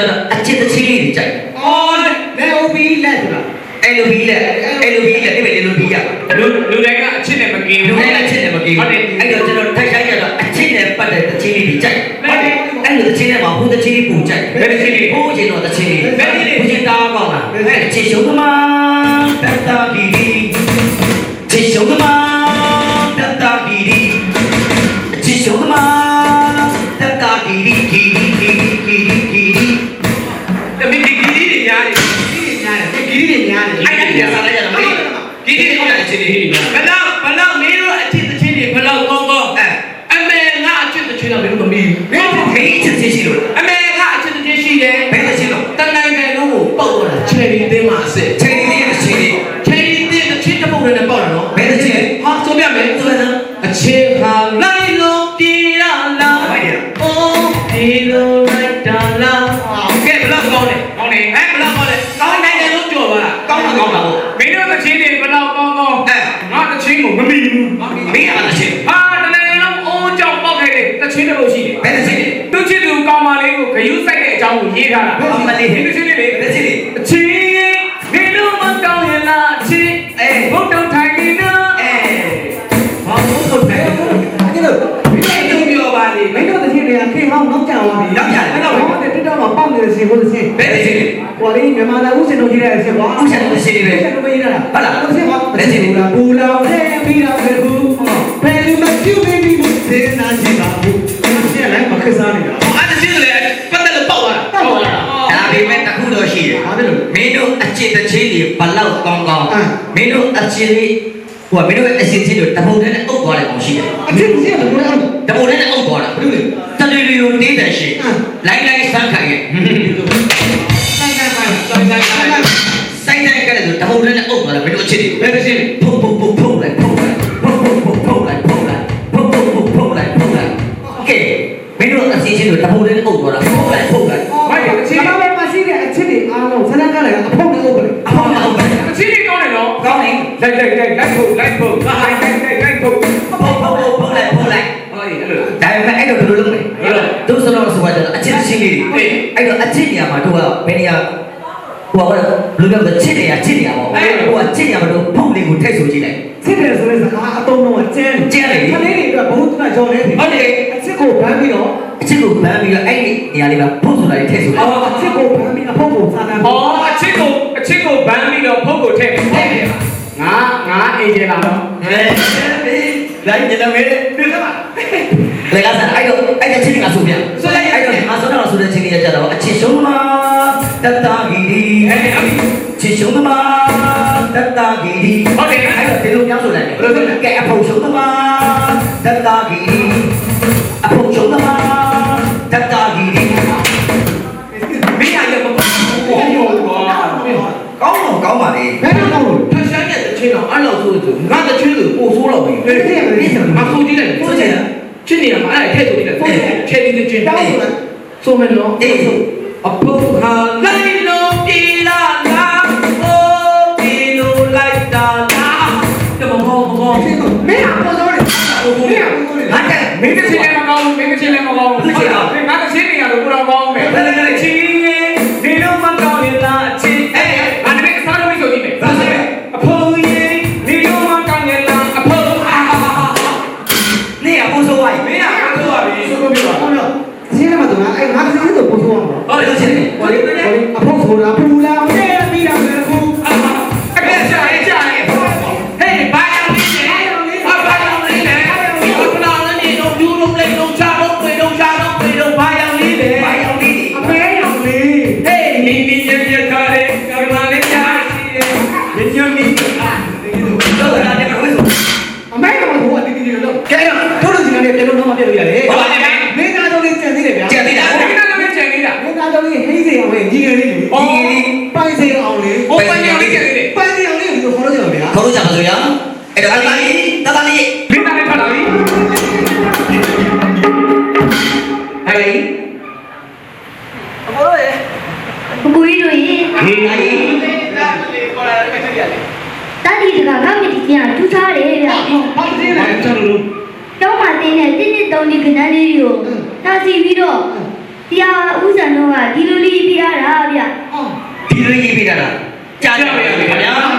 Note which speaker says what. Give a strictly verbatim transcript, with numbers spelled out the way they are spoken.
Speaker 1: တော့အချစ်တစ်ချင်းလေးတွေကြိုက်အော်လေအိုဘီလက်ဆိုတာအဲ့လိုဘီလက်အဲ့လိုဘီလက်ဒီမဲ့လေလိုဘီရလူလူတိုင်းကအချစ်နဲ့မကင်းဘူးလူတိုင်းအချစ်နဲ့မကင်းဘူးဟုတ်တယ်အဲ့တော့ကျွန်တော်ထိုက်ဆိုင်ကြတော့အချစ်နဲ့ပတ်တဲ့တစ်ချင်းလေးတွေကြိုက်ဟုတ်တယ်အဲ့လိုတစ်ချင်းနဲ့မှာဟိုတစ်ချင်းလေးပူကြိုက်ဘယ်တစ်ချင်းလေးဟိုချင်းတော့တစ်ချင်းလေးဘယ်တစ်ချင်းလေးဟိုချင်းတားကောင်းလားအဲ့ချစ်ရှုံးသမားတတ်တာဘီဒီချစ်ရှုံးသမားတတ်တာဘီဒီချစ်ရှုံးသမားတတ်တာဘီဒီဂီဒီဂီဒီဂီဒီဂီဒီတမီဂီဒီတွေညားတယ်ဂီဒီတွေညားတယ်အဲ့ဒါကြီးစားလိုက်ရတော့မေးဂီဒီတွေဟုတ်တယ်အချင်းတွေဘယ်တော့ဘယ်တော့မင်းတို့အချင်းတစ်ချင်းတွေဘယ်တော့ကောင်းကောင်းအဲအမေငါအချင်းတစ်ချင်းတော့မင်းတို့မမီးမင်းတို့ခေးချင်းချင်းရှိလို့အမေငါအချင်းတစ်ချင်းရှိတယ်ဘယ်တစ်ချင်းတော့တနိုင်တယ်လို့ပုတ်တော့တာချယ်ရီတင်းမှာအစ်ချယ်ရီတင်းရဲ့ချင်းတွေချယ်ရီတင်းတစ်ချင်းတစ်ပုတ်နဲ့ပေါက်တာနော်ဘယ်တစ်ချင်းဟာဆိုပြမယ်ဆိုတော့အချင်းဟာလိုက်လို့ပြေးရလားအိုးဒီလိုလိုက်တာလားကဲဘယ်တော့ကောင်းလဲကောင်းတယ်ဟဲ့ဘယ်တော့ကောင်းလဲကောင်းနိုင်တယ်လို့ကြော်ပါလားကောင်းတာကောင်းတာဟုတ်မင်းတို့တစ်ချင်းတွေဘယ်တော့ကောင်းကောင်းအဲငါတစ်ချင်းကိုမမီဘူးမင်းကတစ်ချင်းဟာတနေ့လုံးအိုးကြောက်ပေါက်ခဲ့တယ်တစ်ချင်းတစ်ပုတ်ရှိတယ်ဘယ်တစ်ချင်းလဲသူချစ်သူကောင်းမလေးကိုဂယုစိုက်တဲ့အကြောင်းကိုရေးထားတာဟုတ်မလေးတစ်ချင်းလေးလေတစ်ချင်းလေးအချင်းဒီလိုမကောင်းရင်လားအချင်းအဲဘုတ်တော့ထိုင်နေနော်အဲဘာလို့ဆိုတယ်အဲ့လိုမင်းတို့ပြောပါလေမင်းတို့တစ်ချင်းတွေကခေဟောင်းနောက်ကျသွားပြီနောက်ကျတယ်အဲ့တော့ဟိုတက်တော့မှပေါက်နေတဲ့စီကိုတစ်ချင်းဘယ်တစ်ချင်းလဲဟိုလေးမြန်မာလာဦးစင်တို့ကြီးတဲ့အချင်းကွာဦးစင်တို့တစ်ချင်းပဲဦးစင်တို့မရေးတာဟုတ်လားတစ်ချင်းကွာတစ်ချင်းဘူးလားဘူလောင်တဲ့ပြီးတော့ပဲဘူးဘယ်လိုမှပြုတ်ပြီးဘူးသေနာချင်ပါဘူးတစ်ချင်းလိုက်မခက်စားနေတာအဲ့တစ်ချင်းလေပတ်သက်လို့ပေါက်သွားတာပေါက်သွားတာဒါပေမဲ့တခုတော့ရှိတယ်ဘာဖြစ်လို့မင်းတို့အချစ်တစ်ချင်းတွေဘလောက်ကောင်းကောင်းမင်းတို့အချစ်လေးဟိုကမင်းတို့အချစ်ချင်းတွေတပုံနဲ့အုပ်သွားတယ်ကောင်ရှိတယ်အချစ်ချင်းတွေတပုံနဲ့အုပ်သွားတာဘယ်လိုလဲတလူလူကိုတင်းတယ်ရှိလိုက်လိုက်ဆန်းခိုင်ရဲ့ဆိုင်ဆိုင်ဆိုင်ဆိုင်ဆိုင်ဆိုင်ဆိုင်ကလည်းတပုံနဲ့အုပ်သွားတာမင်းတို့အချစ်တွေဘယ်တစ်ချင်းဖုတ်ဖုတ်ဖုတ်ဖုတ်လိုက်ဖုတ်လိုက်ဖုတ်ဖုတ်ဖုတ်ဖုတ်လိုက်ဖုတ်လိုက်ဖုတ်ဖုတ်ဖုတ်ဖုတ်လိုက်ဖုတ်လိုက်ကဲမင်းတို့အချစ်ချင်းတွေတပုံနဲ့အုပ်သွားတာဖုတ်လိုက်ဖုတ်လိုက်ဘာလဲအချစ်ဘာလဲမရှိတဲ့အချစ်တွေအားလုံးဆန်းကလည်းအဖုတ်နဲ့အုပ်တယ်အဖုတ်နဲ့အုပ်တယ်အချစ်တွေကောင်းတယ်နော်ကောင်းတယ်လိုက်လိုက်လိုက်လိုက်ဖုတ်လိုက်ဖုတ်လိုက်လိုက်လိုက်လိုက်ဖုတ်ဖုတ်ဖုတ်ဖုတ်ဖုတ်လိုက်ဖုတ်လိုက်ဟောဒီအဲ့လိုဒါပေမဲ့အဲ့လိုဘယ်လိုလုပ်လဲတို့စလုံးဆိုတော့အချစ်ချင်းလေးတွေအဲ့တော့အချစ်နေရာမှာတို့ကဘယ်နေရာဟိုကဘယ်လိုပြောလဲချစ်နေရချစ်နေရပေါ့ဟိုကချစ်နေရမှာတို့ဖုတ်လေးကိုထည့်ဆိုကြည့်လိုက်ချစ်တယ်ဆိုတဲ့စကားအတုံးတော့ကျန်းကျန်းလေခလေးတွေအတွက်ဘုံတနာကြော်နေတယ်ဟုတ်တယ်အချစ်ကိုဗန်းပြီးတော့အချစ်ကိုဗန်းပြီးတော့အဲ့ဒီနေရာလေးကဖုတ်ဆိုတာလေးထည့်ဆိုလိုက်အော်အချစ်ကိုဗန်းပြီးအဖုတ်ကိုစားတာအော်အချစ်ကိုအချစ်ကိုဗန်းပြီးတော့ဖုတ်ကိုထည့်ထည့်တယ်ငါငါအေဂျင်လာတော့ဟဲ့လိုက်ကြတယ်မေးတွေ့သလားလေကစားအဲ့တော့အဲ့တဲ့ချင်းကဆိုပြဆိုလိုက်အဲ့တော့အစောတော့ဆိုတဲ့ချင်းကြီးရကြတော့အချစ်ရှုံးမှာတတဂီဒီအဲ့ဒီချစ်ရှုံးမှာတတဂီဒီဟုတ်တယ်အဲ့တော့ဒီလိုပြောဆိုလိုက်တယ်ဘယ်လိုလဲကဲအဖို့ရှုံးမှာတတဂီဒီအဖို့ရှုံးမှာတတဂီဒီမင်းရရမကောင်းဘူးကောင်းတော့ကောင်းပါလေဘယ်တော့ကောင်းလို့ထဆန်းရဲ့တချင်းတော့အဲ့လိုဆိုသူငါတချင်းကိုပို့ဆိုးတော့ပြီဘယ်လိုလဲမဆိုးကြည့်လိုက်ဆိုးကြည့်ချင်းနေမှာအဲ့ထည့်ဆိုကြည့်လိုက်ချဲဒီချင်းတောင်းဆိုလိုက်ဆိုမယ်နော်အေးအပုတ်ဟာလိုက်လို့ပြေးလာလားအိုးပြေးလို့လိုက်တာလားတမမောမောမင်းကပေါ်တော့တယ်မင်းကငါကမင်းတချင်းလည်းမကောင်းဘူးမင်းတချင်းလည်းမကောင်းဘူးဟုတ်လားငါတချင်းနေရတော့ကိုတော့ကောင်းမယ်ဘယ်လိုလဲချင်းဒီလိုမကောင်းရင်လားချင်းအေးငါတမက်စားလို့မဆိုကြည့်မယ်ဟုတ်တယ်အဖိုးကြီးဒီလိုမကောင်းရင်လားအဖိုးအာနေအဖိုးဆိုဝိုင်းမင်းကဆိုပါပြီဆိုလို့ပြောပါချင်းလည်းမတော်အဲ့ငါတချင်းတော့ပို့ဆိုအောင်ဟုတ်တယ်ချင်းဟိုလေအဖို့ဆိုတာပူလာနဲ့ပြီးတာပဲခုအဲ့ဒါကြာရေးကြာရေးဟေးဘာယောင်လေးလဲဘာယောင်လေးလဲဘလာလည်းတော့ယူလုံးလေးတော့ချတော့ပြေတော့ချတော့ပြေတော့ဘာယောင်လေးလဲဘာယောင်လေးအဖေယောင်လေးဟေးနီနီရရခါလေးကမလေးကြာရညမီတော့လာတယ်ဘယ်လိုအမေကဘာလို့ဒီဒီလို့ကဲတော့တို့လူစီကနေပြန်လို့တော့မပြတ်လို့ရတယ်ဟုတ်ပါနဲ့မင်းသားတော့လေးကျန်သေးတယ်ဗျာကျန်သေးတာမင်းသားတော့လေးကျန်သေးတာမင်းသားတော့လေးဟိစေးအောင်လေးညီငယ်လေးလေအော်ပိုင်စေးအောင်လေးဟိုပိုင်အောင်လေးကျန်သေးတယ်ပိုင်စေးအောင်လေးကိုခေါ်လို့ရပါဗျာခေါ်လို့ကြပါစို့ဗျာအဲ့တော့အတားလေးတတားလေးမင်းသားလေးဖတ်လာပြီဟဲ့အမေတို့ရေ
Speaker 2: 不故意的耶。
Speaker 1: ဟေးအေး
Speaker 2: 大弟这个俺们的家出差来了。
Speaker 1: ဘာကြောင့်လို့
Speaker 2: တော့မတင်းနဲ့တင်းတင်းတုံးနေကြတယ်ရော။ဒါစီပြီးတော့တရားဥစ္စာတော့ကဒီလိုလေးပြရတာဗျ
Speaker 3: ဟော
Speaker 1: ဒီလိုရေးပေးတာလားကြားကြပါရဲ့ခင်ဗျာ